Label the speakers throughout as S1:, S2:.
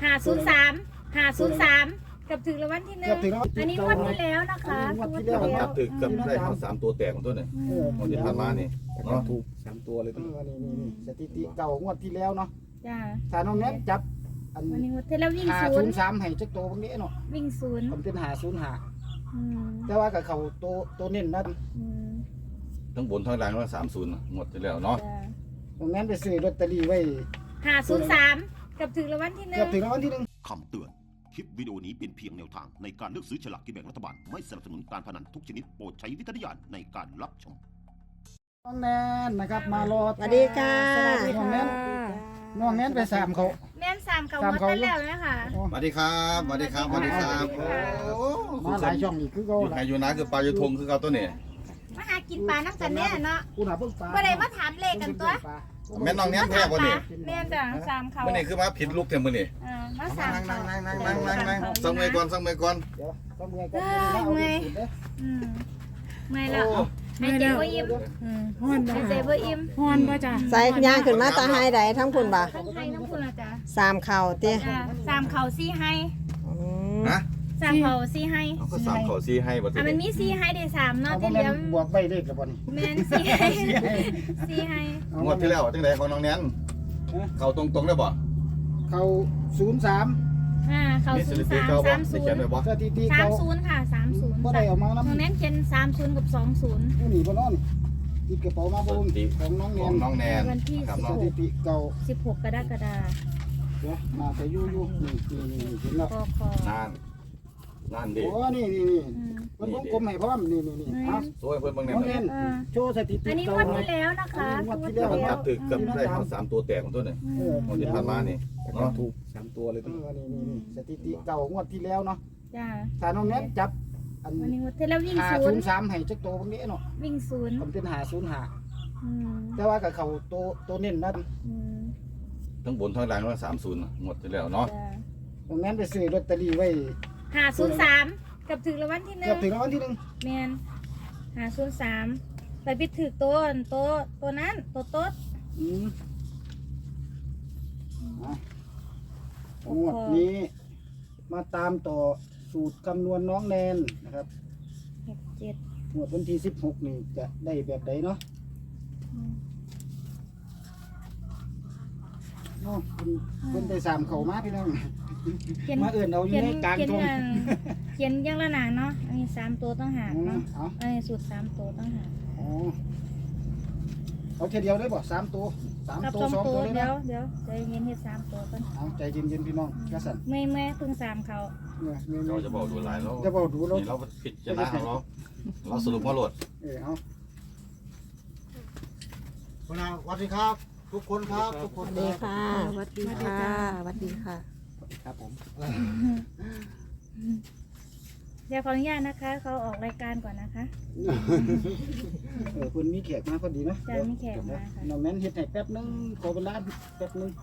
S1: 503กับถึงรางวัลที่หนึ่งอันนี้งวดที่แล้วนะคะงวดที่แล้ว
S2: มันตัดถึกกับได้ทั้ง3ตัวแตกของตัวเนี่ยมันที่ผ่านมานี่เนาะ
S3: ถูก3ตัวเลยพี่
S4: นี่สถิติเก่างวดที่แล้วเนาะ
S1: จ้า
S4: ถ้าน้องแนทจับอัน
S1: วันนี้งวดที่แล้ววิ่งศูนย์
S4: 503ให้จักโตบางนี้เนาะ
S1: วิ่งศูนย์
S4: มันเป็น505แต่ว่ากับเขาโตเน้นนั่น
S2: ทั้งบนทั้งล่างว่า30หมดที่แล้วเนาะ
S4: น้องแนทไปซื้อลอตเตอรี่ไว้
S1: 503กับถึงรางวัลที่หนึ่
S4: เกือบ
S1: ง
S4: ถึงรางวัลที่1
S5: คำเตือน คลิปวิดีโอนี้เป็นเพียงแนวทางในการเลือกซื้อฉลากกินแบ่งรัฐบาล ไม่สนับสนุนการพนันทุกชนิดโปรดใช้วิจารณญาณในการรับชม
S4: น้องแนนนะครับมารอ
S6: สวัสดีค่ะ
S4: น้องแนนน้องแนนไปสามเขา
S1: แม่น3เขางวดที่แล้วนะคะ
S2: สวัสดีครับสวัสดีครับสวัสดีครับโอ้
S4: มาหลายช่องอีกคือเขา
S2: อยู่
S4: ละ
S2: ไฮยูนะคือปลายูทงคือเขาตัวนี้
S1: มาหากินปลาน้ำกันแน่เนาะ
S4: กูน่ะเพิ่งปลา
S1: บ่ได้มาถามเลขกันตัว
S2: แม่น้องเนี้ยแท้บ่นี่
S1: แม่นจ้ะ3เขา
S2: มื้อนี้คือมาผิดลูกเต็มมื้อนี้
S1: มา3เขา
S2: นั่งสังเมก่อนสังเมก่อน
S4: เดี๋ยวต้องเมื่อยกันเอาสูตรเด้อ
S1: เมื่อยแล้วหายใจบ่อิ่ม
S6: ฮ้อนบ่
S1: หายใจบ่อิ่ม
S6: ฮ้อนบ่จ้ะใส่ย่างขึ้นมาตาไฮใดทั้งพุ่นบ่
S1: ทั้งไทยทั้งพุ่นละจ้ะ
S6: 3เข่าติ
S1: 3เขา4ให้
S6: อืม
S2: ฮะ
S1: 3เขา4ให้
S2: เขาก็3เขา4ให้บ่ติ
S1: มันมี4ให้ได้3เนาะ
S4: เอา
S1: ที่
S4: บ่
S1: เห
S4: แม่
S1: ลือน
S4: บวกใบเลขแล้วบ่นี่
S1: แม่น4ให้4ให้
S2: งวดที่แล้วจังได๋ของน้องแนนเข้าตรงๆได้บ่
S4: เขา03
S1: เขา
S2: มีสถิติ
S1: 03
S2: เก่าบ่สิเขียนไว้บ่
S4: สถิติเขา
S1: 30ค่ะ30
S4: บ่ได้เอามานํ
S1: น้องแนนเขียน30กับ20
S4: ผู้หนีบ่นอนติดกระเป๋ามาบ่ของน้องแน
S2: ของ
S4: น
S2: น้องแนน
S1: วันที่
S2: ครับ
S4: ส
S2: เนาะ
S4: ถิติเก่า
S1: 16กรกฎาคม
S4: เดี๋ยวมาแต่อยู่นี่เห็นแล้ว
S1: กค
S2: นั่นดิ
S4: โอ้นี่เพิ่นวงกลมให้พร้อมนี่เอา
S2: สวยเพิ่นเบิ่งแน่
S4: น้องแนนโชว์สถิติ
S1: อันนี้ง
S4: เก่าว
S1: ดที่แล้วนะคะ
S4: งวดที่
S2: แต่
S4: แล้ว
S2: มันตัดถึกกับได้ทั้ง3ตัวแตกของตัวเนี่ยมันที่ผ่านมานี่เนาะ
S3: ถูก3ตัวเลยพี่
S4: นี่สถิติเก่างวดที่แล้วเนาะ
S1: จ้า
S4: ถ้าน้องแนนจับอัน
S1: วันนี้งวดที่แล้ววิ่งศูนย์
S4: 503ให้จักโตบางนี้เนาะ
S1: วิ่งศูนย์
S4: มันเป็น505
S1: อืม
S4: แต่ว่ากับเขาโตเน้นนั่น
S1: อืม
S2: ทั้งบนทั้งล่างว่า30หมดที่แล้วเนาะ
S1: จ้า
S4: น้องแนนไปซื้อลอตเตอรี่ไว้
S1: 503กับถึงรางวัลที่ห
S4: เกื
S1: นึ่
S4: อบ
S1: ง
S4: ถึงรางวัลที่1
S1: แมน503ไปปิดถือตัวนั้นตัวโต๊ด
S4: งวดนี้มาตามต่อสูตรคำนวณน้องแนนนะครับ
S1: 67
S4: งวดวันที่16นี่จะได้แบบไหนเนาะเนาะเพิ่นไปสามเขามาพี่น้อง
S1: เขียน
S4: มาเอื่นเอาอยู่ในกลางทง
S1: เขียนอยังละหนาเนาะอันนี้3ตัวต้องหากเนาะ
S4: เอา
S1: อันนี้สูตร3ตัวต้องหาก
S4: เอาแค่เดียวได้บ่3ตัว
S1: กับ
S4: 3ตัว
S1: 2
S4: 2
S1: ตั
S4: ตัว วเลย
S1: เดี๋ย
S4: นะ
S1: วใจเย็นเฮ็ด3ตัวก่อน
S4: เอาใจเย็นๆพี่น้องกระสัน
S1: เมื่อยเพิ่ง3เขา
S4: เนี่ย
S2: เราจะบอกดูหลายแล้ว
S4: จะบอกดูแล้ว
S2: นี่เราผิดจะนะเราสรุปว่าโหลด
S4: เอา
S3: คุณอาสวัสดีครับ ทุกคนครับทุกค
S6: ส
S3: น
S6: วัสดีค่ะสวัสดีค่ะสวัสดีค่ะ
S3: ครับผม
S1: เดี๋ยวขออนุญาตนะคะ เขาออกรายการก่อนนะคะ
S4: คุณมีแขกมาพอดีเนาะ
S1: จะมีแขกมาค่ะ
S4: น้องแนนเฮ็ดให้แป๊บนึงขอเวลาแป๊บนึง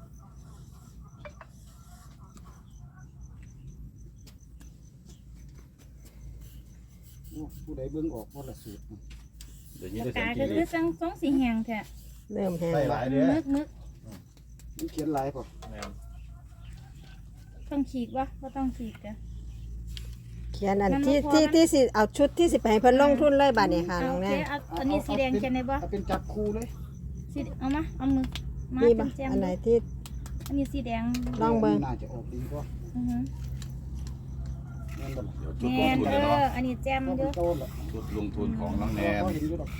S4: ผู้ใดเบิ่งออกว่าละสูตร
S2: เดี๋ยวนี้
S1: ปาก
S2: ได้สั
S1: กาง ก็
S2: เก
S1: คือ
S2: ต
S1: สองสีแหงแท้
S6: เริ่มแห้ง
S2: ใส่หลายเด้อ
S1: มึก
S4: มันเขียนลายป่ะ
S1: ต้องฉีกวะก็ต้องฉีกจ้ะ
S6: เขียนอันที่สิเอาชุดที่สิไปให้เพิ่นลงทุนเลยบัดนี้ค่ะน้องแน่
S1: เอาอันนี้สีแดงเขียนได้บ่
S4: เอาเป็นจับคู่เลย
S1: สีเอามาเอามือมา
S6: มี
S1: เป็
S6: บ่
S1: นแจม
S6: อันไหนที่
S1: อันนี้สีแดง
S6: ลองเบิ่ง
S4: น่าจะออกดีกว่า
S1: อือฮึ
S4: แม่นบ่ล่ะ
S2: เดี๋ยวจุด
S1: แม
S2: ลง
S1: น
S2: ทุน
S1: เอ
S2: เลยเนาะ
S1: ออันนี้แจม
S4: ก็
S1: เย
S4: เป็น
S1: อะ
S4: โตนล่ะ
S2: จุดลงทุนของน้องแนน
S4: ก็เห็นอยู่ดอก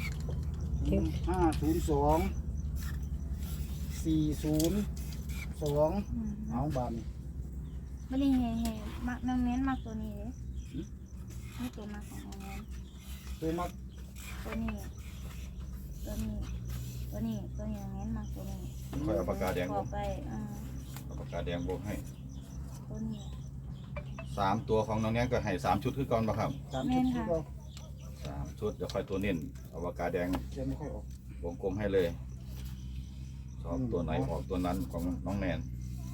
S4: 502 402เอาบานนี่
S1: ไม่ได้แห่มักน้องเน้นมักตัวนี้เลยนี่ตัวมักของน้องเน้น
S4: ตัวมัก
S1: ตัวนี้น้องเน้นมักตัวนี้
S2: ค่อยเอาปากกาแดง
S1: บ
S2: บ
S1: อ
S2: ว
S1: ก
S2: ก
S1: ไป
S2: เอาปากกาแดงบวกให้
S1: ตัวนี้
S2: 3ตัวของน้องแนนก็ให้3ชุดคือก่อนบ่ครับ
S4: ตามชุดที่เรา
S2: 3ชุดเดี๋ยวค่อยตัวเน้นเอาปากกาแดง
S4: เขียนไม่ค่อยออก
S2: วงกลมให้เลยชอบตัวไหนออกตัวนั้นของน้องแนน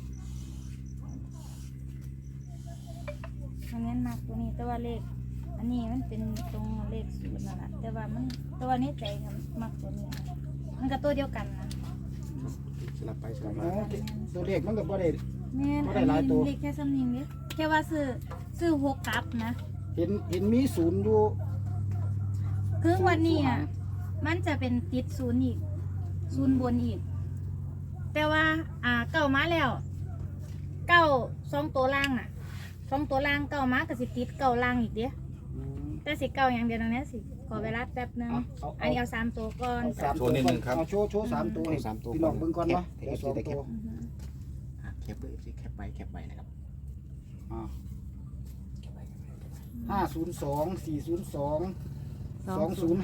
S1: น้องเน้นมักตัวนี้แต่ว่าเลขอันนี้มันเป็นตรงเลขศูนย์นั่นแหละแต่ว่ามันตัวนี้ใจครับมักตัวนี้มันก็ตัวเดียวกันนะ
S3: สลับไปสลับ
S4: อ๋
S3: มา
S4: อตัวเลขมันก็บ่ได้
S1: แม่น
S4: บ่
S1: อั
S4: ได้
S1: น
S4: หลายตัว
S1: นี้เลขแค่ซ้ำนี้เนี่ยแค่ว่าซื้อ6กลับนะ
S4: เห็นมีศูนย์อยู่
S1: คือวันนี้อ่ะมันจะเป็นติดศูนย์อีกศูนย์บนอีก แต่ว่าเก่ามาแล้วเก่า2ตัวล่างน่ะ2ตัวล่างเก่ามาก็สิติดเก่าล่างอีกเด้
S4: อืม
S1: แต่สิเก่าอย่างเดียวตรงนี้สิขอเวลาแป๊บนึง อันนี้เอา3ตัวก่อน
S4: เอาสาม
S2: โช
S4: ตัว
S2: ว์นิดนึงครับ
S4: เอาโชว์สามตัวให้
S3: สามตัว
S4: พี่น้องเบิ่งก่อนเนาะ
S3: แคป
S4: เดี๋ยวสองตัว
S1: อือฮึ
S3: แคปเลยสิแคปไปนะครับ
S4: อ่า
S3: แคปไป
S4: 502 402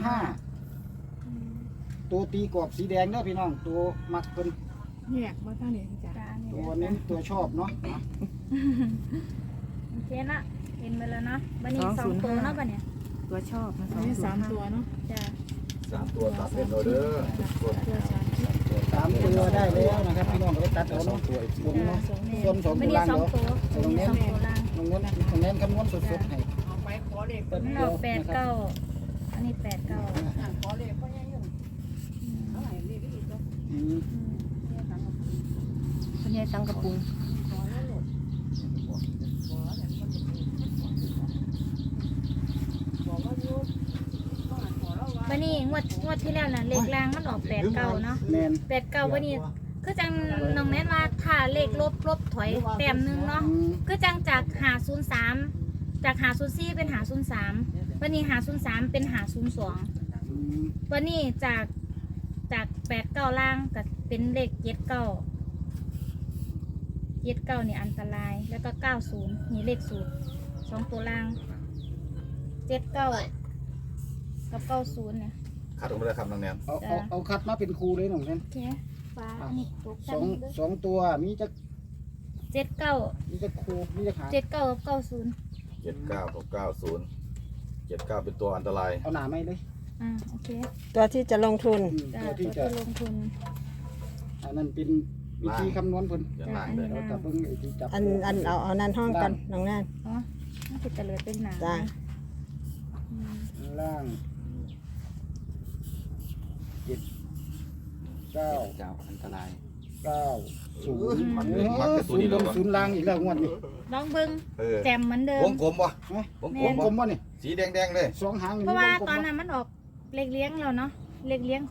S4: 205ตัวตีกรอบสีแดงเด้อพี่น้องตัวมักเพิ่น
S7: เนี่ยว่าท่านเห็นจ้ะ
S1: จ้านี่
S4: ตัวเน้นตัวชอบเนาะอ่ะ
S1: โอเคนะเห็นไปแล้วเนาะบันนี้2ตัวเนาะบันเนี้ย
S7: ตัวชอบนะอันนี้3 ตัวเนาะ
S1: จ้า
S2: 3 ตัวตัดเป็นโอเดอร์ทุกคน
S7: ตัวสามชุด
S4: สามตัวได้แล้วนะครับพี่น้องก็ไปตัดเอา
S3: สอง
S4: เนาะ
S3: ตัวอีก
S4: บนเนาะ
S1: แม่
S4: ส่วนสอง
S1: บั
S4: ตั
S1: น
S4: ว
S1: นี้
S4: ล่าง
S1: 2
S4: เนาะ
S1: ตัวบันนี้2ตัวล่าง
S4: ตรงนั้นคำนวณสดๆให้
S7: เอาไปขอเลข
S1: มันออก8 9อันนี้8 9
S7: ขอเลขก็ยังอยู่เท่าไหร่เลขอีกตัว
S4: อืม
S6: คุณยายตังกระปุง
S7: ขอแล้วหลดขอแต่คนบอกว่าอยู่ก็อ่านขอแล้วว่า
S1: บันนี้งวดที่แล้วน่ะเลขล่างมันออก8 9เนาะ
S4: แมน
S1: 8 9บันนี้คือจังน้องแนนว่าถ้าเลขลบถอยแต้มนึงเนาะ
S4: อืม
S1: คือจังจาก503จาก504เป็น503วันนี้503เป็น502
S4: อืม
S1: วันนี้จาก8 9ล่างก็เป็นเลข79 79นี่อันตรายแล้วก็90นี่เลขศูนย์2ตัวล่าง79กับ90เนี่ย
S2: คัดออกมาเลยครับน้องแนน
S4: เอาคัดมาเป็นครูเลยหน่องนั้น
S1: โอเคฟ้าอันนี้ตก
S4: สองตัวมีจะ
S1: 79
S4: มีจะครูมีจะหา
S1: 79กับ90
S2: 79กับ90 79เป็นตัวอันตราย
S4: เอาหนาไม่เลย
S1: โอเค
S6: ตัวที่จะลงทุน
S1: จ้า
S4: ตัว
S1: ตัว
S4: ที่
S1: ที่
S4: จะ
S1: ลงทุน
S4: อันนั้นเป็นวิธีคำนวณเพิ่น
S2: อย่างล่างเลย
S4: เราจะเบิ่งไอ้ที่จับ
S6: เอานั่นห้องกันน้องนั่น
S1: อ๋อน่าจะเตลิดเป็นหนา
S6: จ้า
S1: อืม
S4: ล่าง7 9
S3: เจ้าอันตราย
S4: 9 0
S2: มันเป็นมักเป็นตัวนี้แล้ววะ
S4: ศูนย์ล่างอีกแล้วงวดนี้
S1: ลองเบิ้ง
S2: เออ
S1: แจมเหมือนเดิม
S2: วงกลมปะ
S4: ฮะ
S2: วง
S1: แม่
S2: กลม
S4: วง
S2: ปะ
S4: กลมวะนี่
S2: สีแดงๆเลย
S4: สองหางอยู่
S1: เพราะว่า
S4: วงกลม
S1: ตอน
S4: วะ
S1: นั้นมันออกเลขเลี้ยงแล้วเนาะเลขเลี้ยง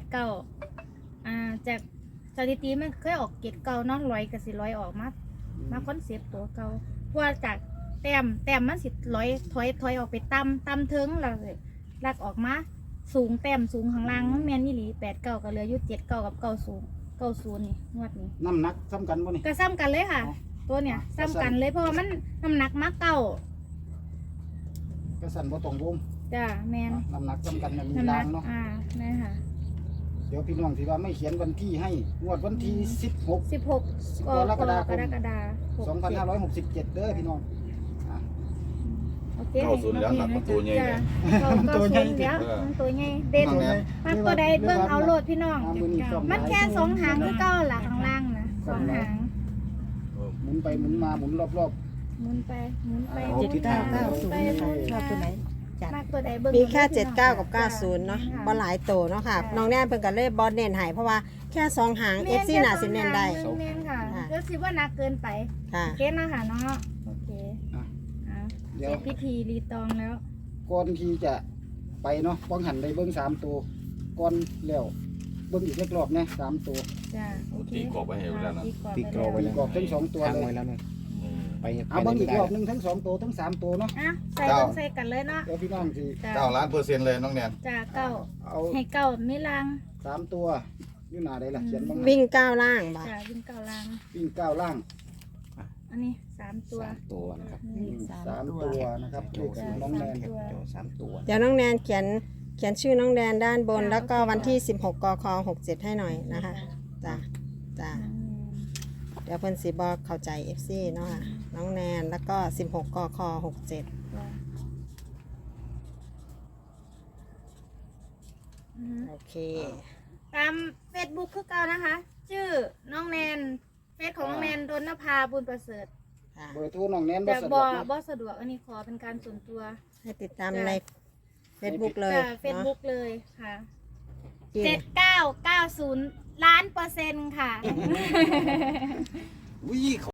S1: จากสถิติมันเคยออกเกตเก่าเนาะ100กับ400ออกมาคอนเซปต์ตัวเก่าเพราะว่าจากแต้มมันสิ100ถอยออกไปต่ำเทิงแล้วลักออกมาสูงแต้มสูงข้างล่างมันแม่นนี่หลี89ก็เหลืออยู่79กับ90นี่งวดนี้
S4: น้ำหนักซ้ำกันวะนี่
S1: ก็ซ้ำกันเลยค่ะ
S4: อ๋อ
S1: ตัวเนี้ยซ้ำกันเลยเพราะว่ามันน้ำหนักมากเก่า
S4: ก็สั่นบ่ตรงวง
S1: จ้าแมน
S4: น้ำหนักซ้ำกันมี
S1: น้ำห
S4: ล่า
S1: นัก
S4: งเนาะ
S1: แม่ค่ะ
S4: เดี๋ยวพี่น้องสิว่าไม่เขียนวันที่ให้งวดวันที่16
S1: 16กรกฎาคม
S4: 2567เด้อพี่น้อง
S1: โอเค
S2: 90แล้วหนักประตูใหญ่เลย
S1: ตัวใหญ่เดี๋ยวมันตัวใหญ่เด่น
S2: น้องแนน
S1: มันตัวใดเบิ่งเอาโลดพี่น้อง
S4: มือนี้ซ่อ
S1: มันแค่2หางคือเก้าหลักข้างล่างนะ2หาง
S4: หมุนไปหมุนมาหมุนรอบ
S1: หมุนไปหมุนไป
S4: เอาทิศทาง
S1: หมุนไปหมุน
S7: ชอบตัวไหน
S1: มากตัวใดเบิ่ง
S6: มีแค่79กับ90เนาะบ่หลายโตเนาะค่ะน้องแน่นเพิ่นก็เลยบ่เน้นให้เพราะว่าแค่2หาง FC น่าสิเน้นได้
S1: เน้นค่ะ
S6: ค่ะ
S1: ก็สิว่านักเกินไป
S6: ค่ะ
S1: เกณฑ์เนาะค่ะเนาะโอเคเสร็จพิธีรีตองแล้ว
S4: ก่อนที่จะไปเนาะป้องหันได้เบิ้ง3ตัวก่อนแล้วเบิ้งอีกเล็กรอบนะ3ตัว
S1: จ้าโอเค
S2: ตีกรอบไว้ให้แล้วนะ
S3: ตีกรอบไว้
S4: กรอบทั้ง2ตัว
S3: ทาง
S4: เลย
S3: ไว้แล้วนะไป
S4: เอาเบิ้งอีกรอบหนึงทั้ง2ตัวทั้ง3ตัวเนาะ
S1: อ่ะใส่ลงใส่กันเลยเนาะ
S4: เดี๋ยวพี่น้องสิ
S1: จ้า
S2: 9,000,000%เลยน้องแนน
S1: จ้าเก้า
S4: เอา
S1: ให้เก้าไม่ลัง
S4: 3ตัวอยู่หน้าใดล่ะเขียนบ้าง
S6: วิ่งก้าวล่างบ่
S1: จ้าวิ่งเก้าลัง
S4: วิ่ง9ล่าง
S1: อันนี้3ตัว
S3: ตัวนะครับ
S1: นี่
S4: 3ตัวนะครับเลขสูตรน้องแนน
S3: แคปโจ3ตัว
S6: เดี๋ยวน้องแนนเขียนชื่อน้องแนนด้านบน แล้วก็วันที่16กค67ให้หน่อยนะคะจ้าเดี๋ยวเพิ่นสิบ่เข้าใจ FC เนาะค่ะน้องแนนแล้วก็16กค67
S1: จ้าอือฮึ
S6: โอเค
S1: ตาม Facebook คือเก่านะคะ ชื่อน้องแนนเฟซของน้องแนนดนภาบุญประเสริฐ
S6: ค่ะ
S4: เบอร์โทรน้องแนนบ่
S1: แต่
S4: สะด
S1: บ่
S4: วกเนาะ
S1: บ่สะดวกอันนี้ขอเป็นการส่วนตัว
S6: ให้ติดตามใน Facebook เลย
S1: จ้า
S6: เนาะ
S1: Facebook เลยค่ะ
S6: กิน
S1: 7990 ล้านเปอร์เซ็นต์ค่ะ
S2: วิ่ง